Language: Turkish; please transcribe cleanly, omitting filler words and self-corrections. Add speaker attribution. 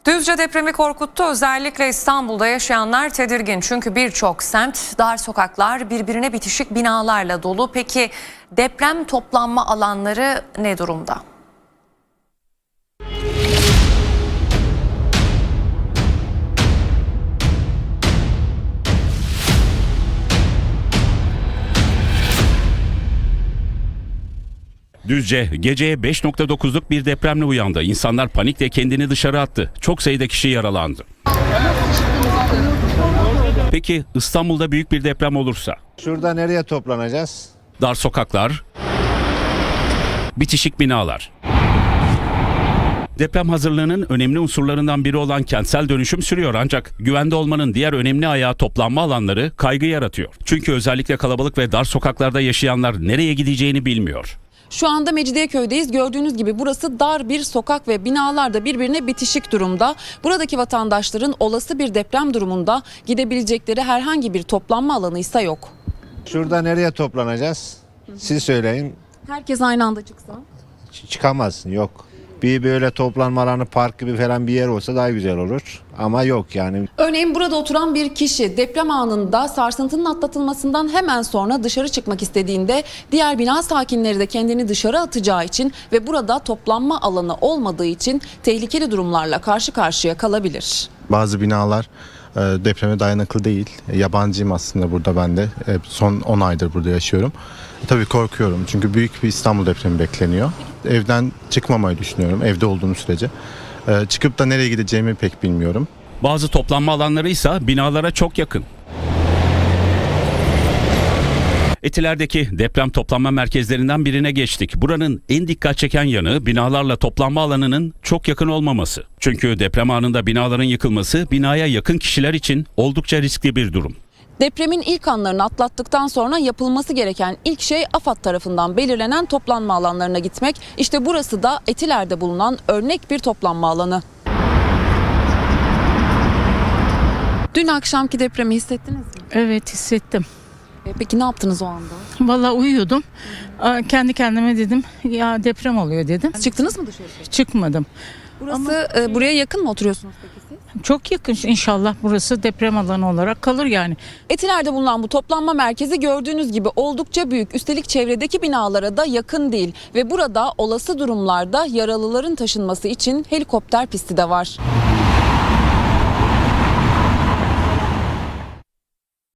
Speaker 1: Düzce depremi korkuttu. Özellikle İstanbul'da yaşayanlar tedirgin. Çünkü birçok semt, dar sokaklar, birbirine bitişik binalarla dolu. Peki deprem toplanma alanları ne durumda?
Speaker 2: Düzce geceye 5.9'luk bir depremle uyandı. İnsanlar panikle kendini dışarı attı. Çok sayıda kişi yaralandı. Peki İstanbul'da büyük bir deprem olursa?
Speaker 3: Şurada nereye toplanacağız?
Speaker 2: Dar sokaklar, bitişik binalar. Deprem hazırlığının önemli unsurlarından biri olan kentsel dönüşüm sürüyor, ancak güvende olmanın diğer önemli ayağı toplanma alanları kaygı yaratıyor. Çünkü özellikle kalabalık ve dar sokaklarda yaşayanlar nereye gideceğini bilmiyor.
Speaker 4: Şu anda Mecidiyeköy'deyiz. Gördüğünüz gibi burası dar bir sokak ve binalar da birbirine bitişik durumda. Buradaki vatandaşların olası bir deprem durumunda gidebilecekleri herhangi bir toplanma alanı ise yok.
Speaker 3: Şurada nereye toplanacağız? Siz söyleyin.
Speaker 4: Herkes aynı anda çıksa.
Speaker 3: Çıkamazsın, yok. Bir böyle toplanma alanı, park gibi falan bir yer olsa daha güzel olur. Ama yok yani.
Speaker 4: Örneğin burada oturan bir kişi deprem anında sarsıntının atlatılmasından hemen sonra dışarı çıkmak istediğinde diğer bina sakinleri de kendini dışarı atacağı için ve burada toplanma alanı olmadığı için tehlikeli durumlarla karşı karşıya kalabilir.
Speaker 5: Bazı binalar depreme dayanıklı değil. Yabancıyım aslında burada ben de. Son 10 aydır burada yaşıyorum. Tabii korkuyorum çünkü büyük bir İstanbul depremi bekleniyor. Evden çıkmamayı düşünüyorum evde olduğum sürece. Çıkıp da nereye gideceğimi pek bilmiyorum.
Speaker 2: Bazı toplanma alanları ise binalara çok yakın. Etiler'deki deprem toplanma merkezlerinden birine geçtik. Buranın en dikkat çeken yanı binalarla toplanma alanının çok yakın olmaması. Çünkü deprem anında binaların yıkılması binaya yakın kişiler için oldukça riskli bir durum.
Speaker 4: Depremin ilk anlarını atlattıktan sonra yapılması gereken ilk şey AFAD tarafından belirlenen toplanma alanlarına gitmek. İşte burası da Etiler'de bulunan örnek bir toplanma alanı. Dün akşamki depremi hissettiniz mi?
Speaker 6: Evet, hissettim.
Speaker 4: Peki ne yaptınız o anda?
Speaker 6: Vallahi uyuyordum. Kendi kendime dedim ya deprem oluyor dedim.
Speaker 4: Çıktınız mı dışarı?
Speaker 6: Çıkmadım.
Speaker 4: Burası buraya yakın mı oturuyorsunuz peki siz?
Speaker 6: Çok yakın, inşallah burası deprem alanı olarak kalır yani.
Speaker 4: Etiler'de bulunan bu toplanma merkezi gördüğünüz gibi oldukça büyük. Üstelik çevredeki binalara da yakın değil. Ve burada olası durumlarda yaralıların taşınması için helikopter pisti de var.